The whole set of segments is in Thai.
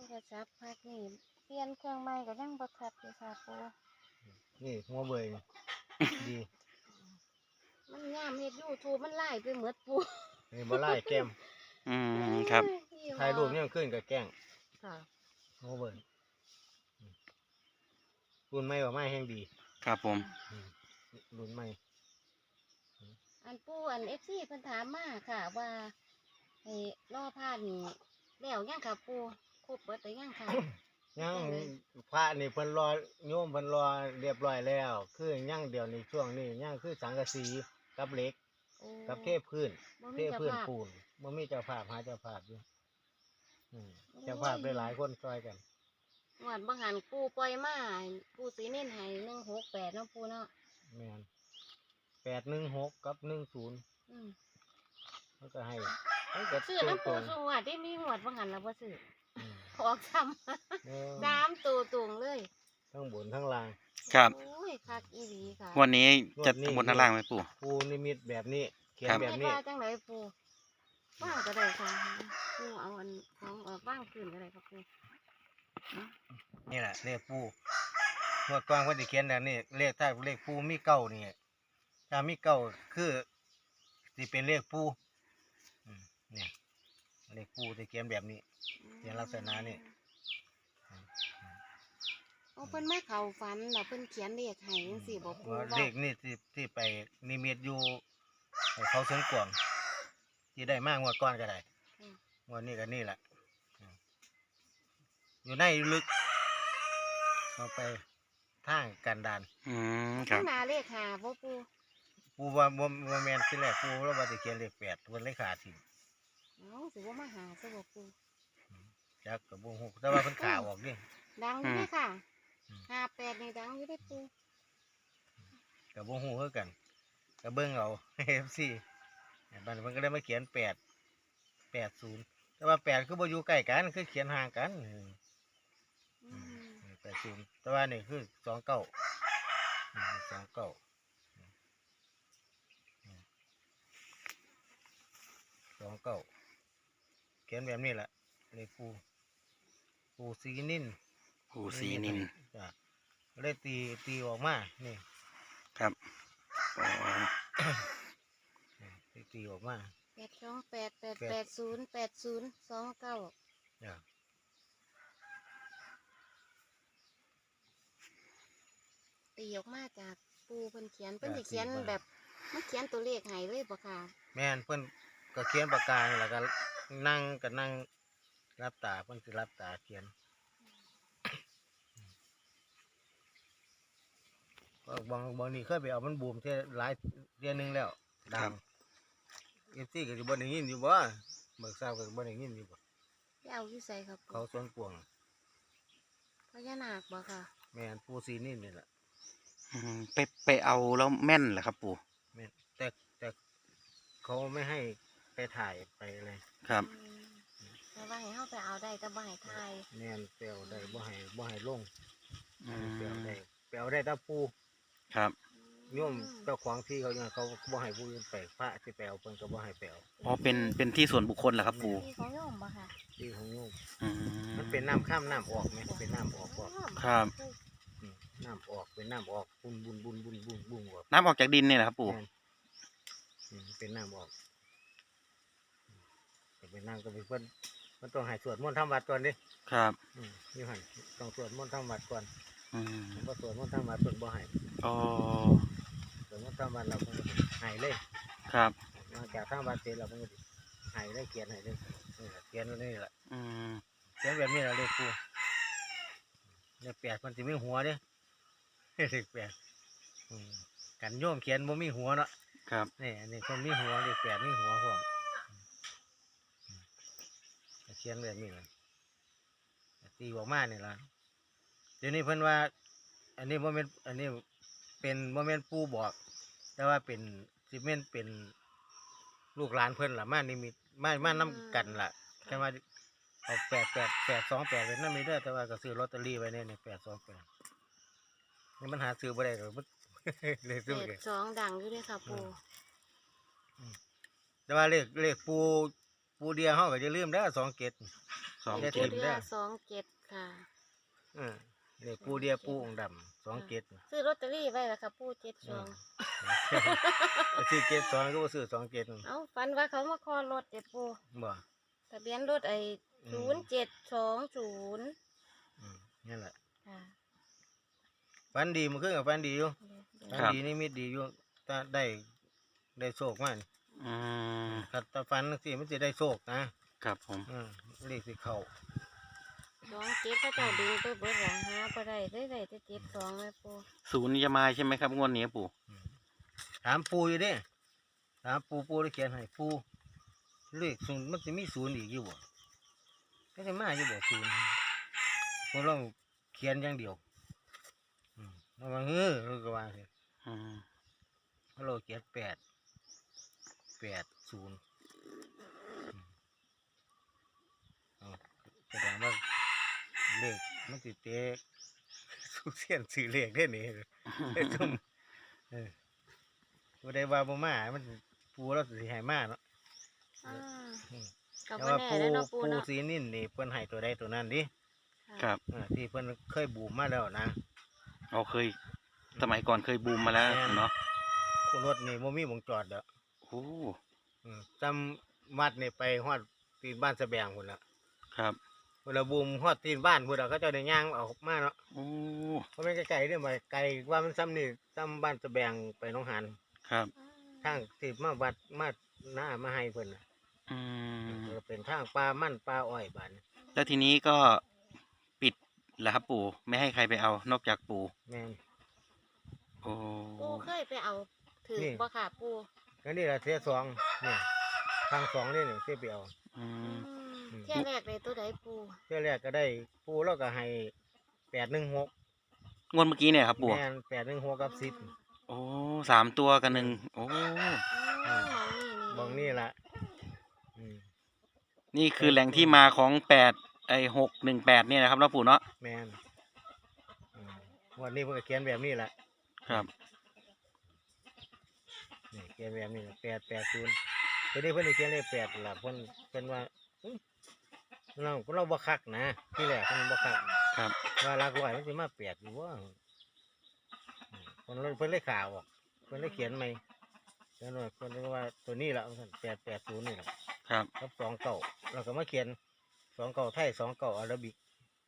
รศัพท์พักนี่เปลี่ยนเครื่องใหม่ก็ยังบ่ทัดอยู่ค่ะปูนี่หัวเบยดีมันยามเฮ็ด YouTube มันไล่ไปหมดปูนี่บ่ไล่แก้มครับถ่ายรูปเนี่ยขึ้นกับแกล้งค่ะหัวเบยรุ่นใหม่กว่าใหม่แห่งดีครับผมรุ่นใหม่อันปูอัน FC เพิ่นถามมาค่ะว่าให้รอพาดนี่แล้วยังค่ะปูครบเบิดหรือยังค่ะยังพระนี่เพิ่นรอโยมเพิ่นรอเรียบร้อยแล้ว คือยังเดี๋ยวในช่วงนี้ยังคือสังกะสีกับเหล็กโอ้กับเทพื้นบ่เทมีเจ้าพื้นภาพปูนบ่มีเจ้าภาพหาเจ้าภาพอยู่เจ้าภาพหลายๆคนช่วยกันงวดบางหันปูปล่อยมาปูสีเน้นให้168เนาะปูเนาะแม่น816กับ10 อืมมันก็ให้มันก็ซื้อน้ำปูสูงวัดได้มีงวดบางหันแล้วบ่ซื้ออืมออกซ้ำเออ 3ตัวตรงเลยทั้งบนทั้งล่างครับโอ้ยคักอีหลีค่ะวันนี้จะงวดนี้บนด้านล่างไหมปู่ปูนิมิตแบบนี้เขียนครับแบบนี้ว่าจังไรปูว่างก็ได้ค่ะปูเอาอันของออกว่างคืนก็ได้ครับปูนี่แหละเลขปูเมื่อก่อนเพิ่นสิเขียนแบบนี้เลขถ้าเลขปูมีเก้านี่ถ้ามีเก้าคือสิเป็นเลขปูเนี่ยเลขปูสิเขียนแบบนี้ เขียนลักษณะนี่โอ้เพิ่นมาเข้าฝันแล้วเพิ่นเขียนเลขให้จังซี่บ่ปูว่าว่าเลขนี่ที่ไปนิมิตอยู่ให้เขาเสริงกวางที่ได้มากงวดก่อนก็ได้งวดนี้ก็นี่แหละอยู่ในลึกเอาไปทางกันดานครัข้าบงหน้าเลขหาบ่ปูปูว่าบ่แม่นที่แรกปูแล้วว่าสิเขียนเลข8เพิ่นเลยขาดทิ้งเอ้าสิบ่มาหาซะบ่ปูจักก็บ่ฮู้แต่ว่าเพิ่นขาออกนี่ดังอยู่เด้อค่ะอืม 58นี่ดังอยู่เด้อปูก็บ่ฮู้คือกันก็เบิ่งเอา FC บัดนี้เพิ่นก็เลยมาเขียน80แต่ว่า8คือบ่อยู่ใกล้กันคือเขียนห่างกันอืม 80แต่ว่านี่คือ29 เขียนแบบนี้แหละเลขปูสีนินปู่สีนินจ้ะเลยตีออกมานี่ครับอ๋อตีออกมา 82888088029 จ้ะตีออกมาจากปูเพิ่นเขียนเพิ่นสิเขียนแบบมันเขียนตัวเลขให้เลยบ่ค่ะแม่นเพิ่นก็เขียนปากกานี่แล้วก็นั่งรับตาเพิ่นสิรับตาเขียนก็บางนี่เคยไปเอามันบูมเท่ยหลายเดือนหนึงแล้วดังFCก็สิบ่ได้ยินอยู่บ่เบิกทราบก็บ่ได้ยินอยู่บ่ไปเอาอยู่ใส่ครับเขาสวนกวางพญานาคบ่ค่ะแม่นปูสีนินนี่แหละไปเอาแล้วแม่นเหรอครับปู่แม่นแต่เขาไม่ให้ไปถ่ายไปอะไรครับแต่ว่าให้เฮาไปเอาได้แต่บ่ให้ทายแม่นเปลวได้บ่ให้ลงอืเปลวมได้เปลวได้แตาปูครับโยมเจ้าของที่เขาเนี่ยเขาบ่ให้ผู้อื่นไปพระที่แปลวเพิ่นก็บ่ให้แปลวอ๋อเป็นที่ส่วนบุคคลเหรอครับปู่ที่ของโยมบ่ค่ะที่ของโยมอืมันเป็นน้ำข้ามน้ำออกไหมเป็นน้ำออกออกครับน้ำออกเป็นน้ำออกบุญออกน้ำออกจากดินเนี่ยเหรอครับปู่แม่นเป็นน้ำออกแต่เป็นน้ำก็เป็นเพิ่นมันต้องให้สวดมนต์ทำวัดก่อนดิครับนี่หั่นต้องสวดมนต์ทำวัดก่อนอืมผมก็สวดมนต์ทำวัดเพิ่นบ่ให้อ๋อสวดมนต์ทำวัดเราเพิ่นก็ให้เลยครับหลังจากทำวัดเสร็จเราเพิ่นก็สิให้เลยเขียนให้เลยนี่แหละเขียนไว้นี่แหละอืมเขียนแบบนี้แหละเลขปูเลข8มันสิมีหัวเด้ เลข8กันโยมเขียนบ่มีหัวเนาะครับนี่อันนี้คนมีหัวเลข8มีหัวพร้อมเขียนแบบนี้เลยตีออกมานี่ล่ะเดี๋ยวนี้เพิ่นว่า อันนี้บ่แม่นอันนี้เป็นบ่แม่นปู่บอก แต่ว่าเป็นสิแม่นเป็นลูกหลานเพิ่นล่ะมานิมิตมานํกันล่ะแค่ว่าเอา828เป็นนำมีเด้อแต่ว่าก็ซื้อลอตเตอรี่ไว้เนี่ย828นี่มันหาซื้อบ่ได้หรอกมัน เลยซื้อเลย 82ดังอยู่เด้อค่ะปูแต่ว่าเลขปูเดียวเฮาก็อย่าลืมเด้อ27 สองจะเจ็ถิ่ดมเดืเด้ออ 27ค่ะนี่ปูเดียปูองค์ดำ27น่ะซื้อลอตเตอรี่ไว้แล้วค่ะปู่อืม 72 ซื้อ72ก็บ่ซื้อ27นั่นเอ้าฝันว่าเขามาคอรถเด้ปู่บ่ทะเบียนรถไอ้อืม 0720 นั่นแหละค่ะฝันดีมันขึ้นกับฝันดีอยู่เดี๋ยวฝันดีนี่มิตดีอยู่ถ้าได้โชคมานี่อืมถ้าฝันสิมันสิได้โชคนะครับผมเลขสิเข้า 27เขาเจ้าดึงไปเบิดหลังหาบ่ได้ได้แต่72แม่ปู่ศูนย์จะมาใช่ไหมครับงวดนี้ปู่ถามปูอยู่เด้ถามปูได้เขียนให้ปูเลขศูนย์มันสิมีศูนย์อีกอยู่บ่ก็สิมาอยู่บ่ศูนย์พวกเราเขียนอย่างเดียวแล้วว่าเราก็ว่าสิอืมเราเขียน80เอาแสดงว่าเลขมันสิเตะสุเสียนสื่อเลขได้นี่ไอ้ซุ่มบ่ได้ว่าบ่มามันปูเราสิให้มาเนาะอ่าอืมก็แต่บ่ว่าแน่ปูแล้วเนาะปู่เนาะสีนิ่นนี่เพิ่นให้ตัวใดตัวนั้นดิครับที่เพิ่นเคยบูมมาแล้วนะเราเคยสมัยก่อนเคยบูมมาแล้วเนาะรถนี่บ่มีวงจอดเด้อโอ้จำวัดนี่ไปฮอดตีนบ้านสะแบงพุ่นล่ะครับเวลาบูมฮอดตีนบ้านพุ่นล่ะเขาเจ้าได้ย่างออกมาเนาะโอ้เพราะมันไกลๆเด้อมาไกลว่ามันซ้ำนี่ซ้ำบ้านสะแบงไปหนองหานครับทางที่มาวัดมาหน้ามาให้เพิ่นน่ะอืมเป็นทางป่ามันป่าอ้อยบานแล้วทีนี้ก็ปิดแล้วครับปู่ไม่ให้ใครไปเอานอกจากปู่แม่นโอ้ปู่เคยไปเอาถือนี่บ่ค่ะปู่ก็นี่ล่ะเที่ยสองนี่ทางสองนี่นี่ที่ไปเอาอือืมมเที่ยแรกเลยตัวใดปู่เที่ยแรกก็ได้ปูแล้วก็ให้816 งวดเมื่อกี้เนี่ยครับปู่แม่น816กับ10 โอ้3 ตัวกันหนึ่งโอ้มองนี่บองนี่ละอืมนี่คือแหล่งที่มาของ618เนี่ยนะครับเนาะปู่เนาะแมนวันนี้เพิ่นก็เขียนแบบนี้แหละครับนี่เขียนแบบนี้880ตัวนี้เพิ่นได้เขียนเลข8ล่ะเพิ่นว่าเราบ่คักนะที่แรกเพิ่นบ่คักครับว่าหลักร้อยมันสิมา8อยู่ว่าเพิ่นเลยข่าวออกเพิ่นเลยเขียนใหม่เพิ่นว่าตัวนี้ล่ะเพิ่น880นี่ล่ะครับกับ29แล้วก็มาเขียน29ไทย29อาราบิก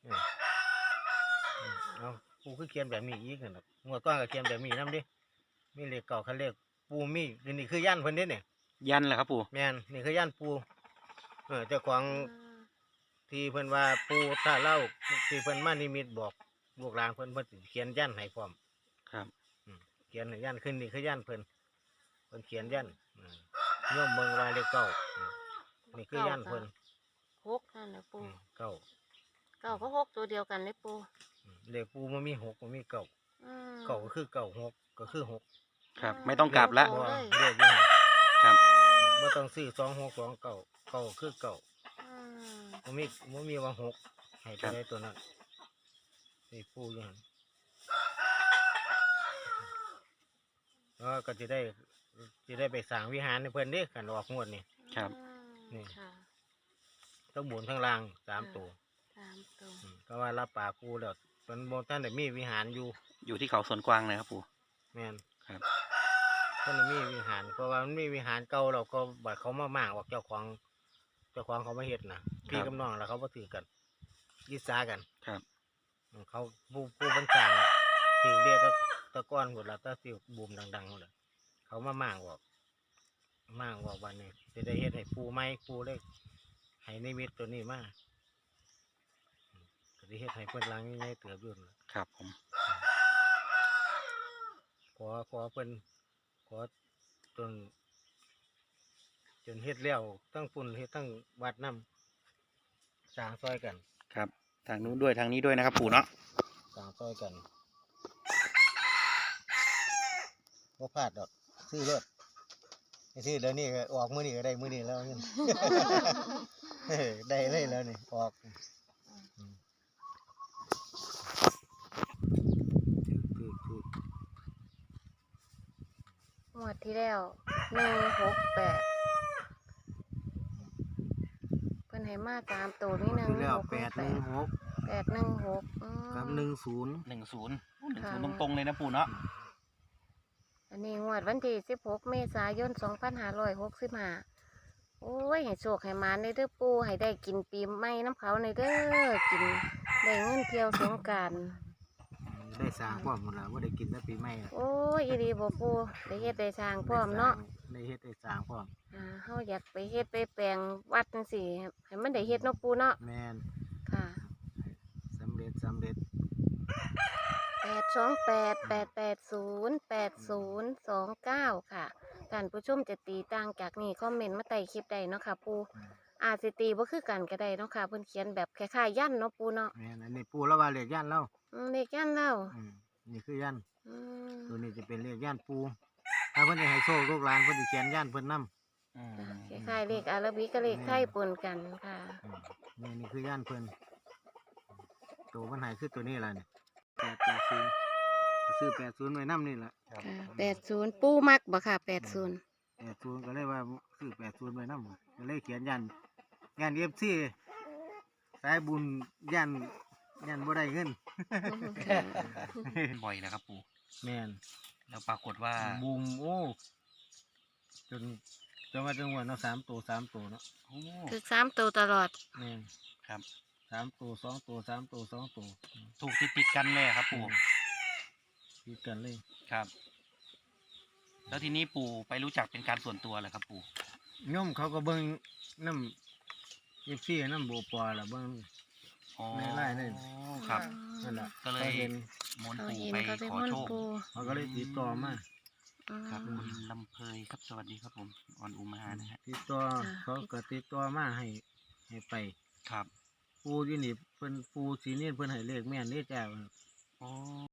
เอาปูคือเขียนแบบนี้อีกนั่นน่ะงวดก่อนก็เขียนแบบนี้นำดิมีเลขเก่าคันเลขปูมีนี่คือยันเพิ่นเด้เนี่ยยันเหรอครับปู่แม่นนี่คือยันปูเจ้าของที่เพิ่นว่าปูถ้าเล่าที่เพิ่นมานิมิตบอกลูกหลานเพิ่นสิเขียนยันให้พร้อมครับเขียนให้ยันขึ้นนี่คือยันเพิ่นเขียนยันโยมเมืองว่าเลขเก้านี่คือยันเพิ่น 6นั่นแหละปู่เก้าเก้าก็6ตัวเดียวกันเลยปู่เลขปูมันมี6มันมีเก้าอืมเก้าก็คือเก้า6ก็คือ6 ครับ ไม่ต้องกลับละโอ้บ่เลยเลขอยู่หั่นครับบ่ต้องซื้อ2629เก้าคือเก้าอืมบ่มีว่า6ให้ตัวใดตัวนั้นนี่ปูอยู่หั่นแล้วก็จะได้ไปสร้างวิหารให้เพิ่นเด้กันออกงวดนี่ครับนี่ค่ะทั้งบนทั้งล่าง3ตัว 3ตัวก็ว่ารับปากปูแล้วเพิ่นบ่ทันได้มีวิหารอยู่อยู่ที่เขาสวนกวางนะครับปู่แม่นครับเพิ่นมีวิหารเพราะว่ามันมีวิหารเก่าแล้วก็บัดเขามาม่างออกเจ้าของเขามาเฮ็ดน่ะพี่กับน้องแล้วเขาบ่ถือกันยิษากันครับเขาผู้บรรจางถือเรียกก็ตะก้อนหมดแล้วตะสิบูมดังๆหมดเลยเขามาม่างออกวันนี้จะได้เฮ็ดให้ปูไม้ปูเลยให้นิมิตตัวนี้มาก็ได้เฮ็ดให้เพิ่นลังง่ายๆเติบอยู่นั่นล่ะครับผมขอเพิ่นขอจนเฮ็ดแล้วทั้งปุ่นเฮ็ดทั้งวัดน้ำสร้างซอยกันครับ ทางนู้นด้วยทางนี้ด้วยนะครับปู่เนาะสร้างซอยกันบ่พลาดดอกซื้อรถซื้อเดี๋ยวนี้ก็ออกมื้อนี้ก็ได้มื้อนี้แล้วเงิน ได้เลยแล้วนี่ออกถูกงวดที่แล้ว168เพิ่นให้มาตามตัวนี่หนึ่งคือแล้วหก 816 816 กับ 10 10 ตรงๆเลยนะปู่เนาะอันนี้งวดวันที่16 เมษายน 2565โอ้ยให้โชคให้มาในเด้อปูให้ได้กินปีใหม่น้ำเขาในเด้อกินได้เงินเที่ยวสงกรานต์ได้สร้างพร้อมหมดแล้วบ่ได้กินแต่ปีใหม่อะโอ้ยอีดีบ่ปูได้เฮ็ดได้สร้างพร้อมเนาะได้เฮ็ดได้สร้างพร้อมเฮาอยากไปเฮ็ดไปแปลงวัดจังซี่ให้มันได้เฮ็ดเนาะปูเนาะแม่นค่ะสำเร็จ 828808029 ค่ะท่านผู้ชมจะตีต่างจากนี้คอมเมนต์มาใต้คลิปได้เนาะค่ะปูอาจสิตีบ่คือกันก็ได้เนาะค่ะเพิ่นเขียนแบบคล้ายๆยันเนาะปูเนาะแม่นอันนี้ปู่แล้วว่าเลขย่านเราเลขยันแล้วนี่คือยันอืมตัวนี้จะเป็นเลขย่านปู่ถ้าเพิ่นจะให้โชคลูกหลานเพิ่นสิเขียนย่านเพิ่นนำคล้ายๆเลขอาราบิกกับเลขไทยปนกันค่ะนี่คือย่านเพิ่นตัวมันให้คือตัวนี้ล่ะนี่880ซื้อ80ไว้นำนี่ล่ะค่ะ80ปูมักบ่ค่ะ80 80ก็เลยว่าซื้อ80ไว้นำก็เลยเขียนย่านFC สายบุญย่านบ่ได้เงินบ่อยนะครับปู่แม่นแล้วปรากฏว่าบูมโอ้จนว่าจังหวะเนาะ3ตัวเนาะโอ้คือ3ตัวตลอดแม่นครับ 3ตัว2ตัว3ตัว2ตัวถูกติดกันเลยครับปู่คิดกันเลยครับ แล้วทีนี้ปู่ไปรู้จักเป็นการส่วนตัวเหรอครับปู่โยมเขาก็เบิ่งน้ำFC น้ำโบปอล่ะเบิ่งอ๋อในไร่นั่นครับนั่นล่ะก็เลยขาเห็นมนต์เขาปู่เห็นไปเขาไปขอม่อนโชคปูเขาก็เลยติดต่อมาครับคุณลำเพยครับสวัสดีครับผมออนอุมานะฮะติดต่อเขาก็ติดต่อมาให้ไปครับปูที่นี่เพิ่นปูสีนี่เพิ่นให้เลขแม่นเด้จ้าอ๋อ